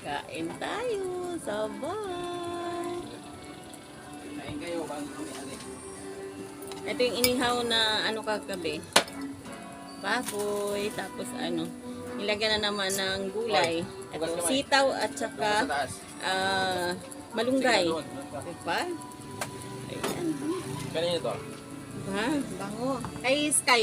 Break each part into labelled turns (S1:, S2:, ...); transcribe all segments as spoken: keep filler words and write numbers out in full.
S1: Kain tayo. Sabay.
S2: Kain kayo bago kami alis.
S1: Ito yung inihaw na ano kagabi. Baboy. Tapos ano. Nilagyan na naman ng gulay. Ito, sitaw at saka uh, malunggay. Diba? Ayan.
S2: Kanina to?
S1: Diba? Bango. Kay Sky.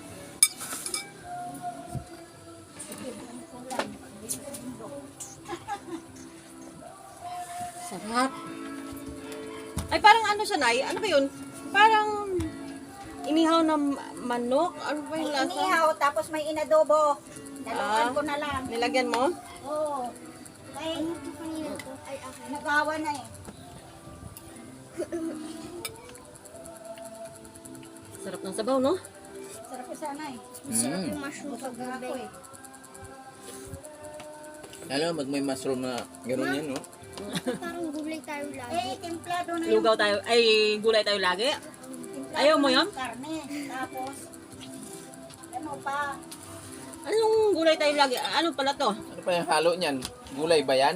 S1: Sarap. Ay, parang ano siya, Nay? Ano ba yun? Parang inihaw na manok. Ano ba yung
S3: May
S1: lasa?
S3: inihaw, tapos may inadobo. Daluan
S1: Ah.
S3: ko na lang.
S1: Nilagyan mo?
S3: Oo. Ay, ay, okay. Nagawa na eh.
S1: Sarap ng sabaw, no?
S3: Sarap ko sana eh.
S2: Sarap
S3: yung mushroom sa gabi. Ako eh.
S2: Alam mo, pag may mushroom na gano'n yan, no?
S4: Parang gulay tayo lagi.
S3: Eh, templado na
S1: Lugaw tayo. Ay, gulay tayo lagi.
S3: templado
S1: Ayaw mo
S3: na
S1: yun?
S3: yung Karne. Tapos, ano pa?
S1: Anong gulay tayo lagi? Ano pala to?
S2: Ano pa yung halo niyan? Gulay ba yan?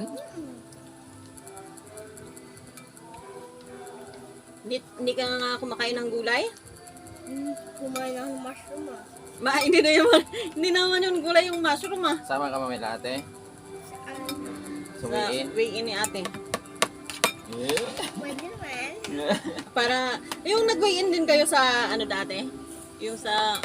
S1: Hindi, hindi ka nga kumakain ng gulay?
S4: Hmm, kumain ako ng mushroom ah.
S1: Ma, hindi na naman, hindi naman yung gulay yung mushroom, ah.
S2: Sama ka mamaya ate?
S4: Saan?
S2: Sumiin?
S1: Sa way ni ate.
S2: Yeah.
S4: Pwede naman.
S1: Para, yung nag-weigh in din kayo sa, ano dati? Yung sa,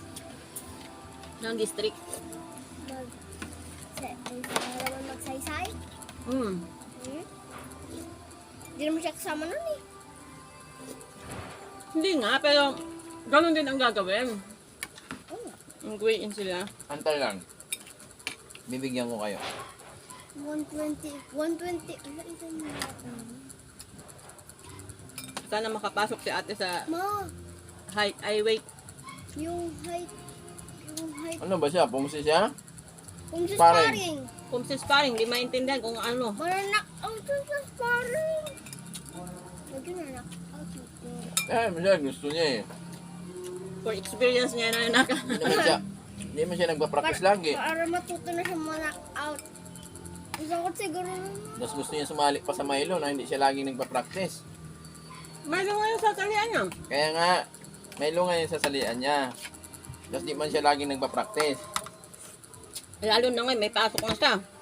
S1: ng district.
S4: Mag... Sa... Sa naman magsaysay?
S1: Hmm.
S4: Hmm? Hindi naman siya kasama nun eh.
S1: Hindi nga, pero, ganun din ang gagawin.
S4: Oh.
S1: Mag-weigh in sila.
S2: Antay lang. Bibigyan ko kayo.
S4: one twenty. one twenty. Ano ito mo?
S1: Sana makapasok si ate sa
S4: Ma!
S1: height, ay weight.
S4: Yung height... Yung height...
S2: Ano ba siya? Pumusi siya?
S4: Kung sa
S2: Sparring.
S4: sparring.
S1: Kung si sparring, di maintindihan kung ano.
S4: Maranak out sa sparring. Lagi na knock out ito.
S2: Eh, siya gusto niya eh.
S1: For experience niya na naka.
S2: Hindi naman siya, hindi naman siya nagpa-practice lagi.
S4: Para matuto na siya ma-knock out. Gusto ko siguro naman.
S2: Tapos gusto niya sumali pa sa Milo na hindi siya laging nagpa-practice.
S1: May nga yung sasalian niya.
S2: Kaya nga, Milo nga yung sasalian niya. Tapos di man siya laging nagpa-practice.
S1: Lalo na ngayon, may pasok na siya.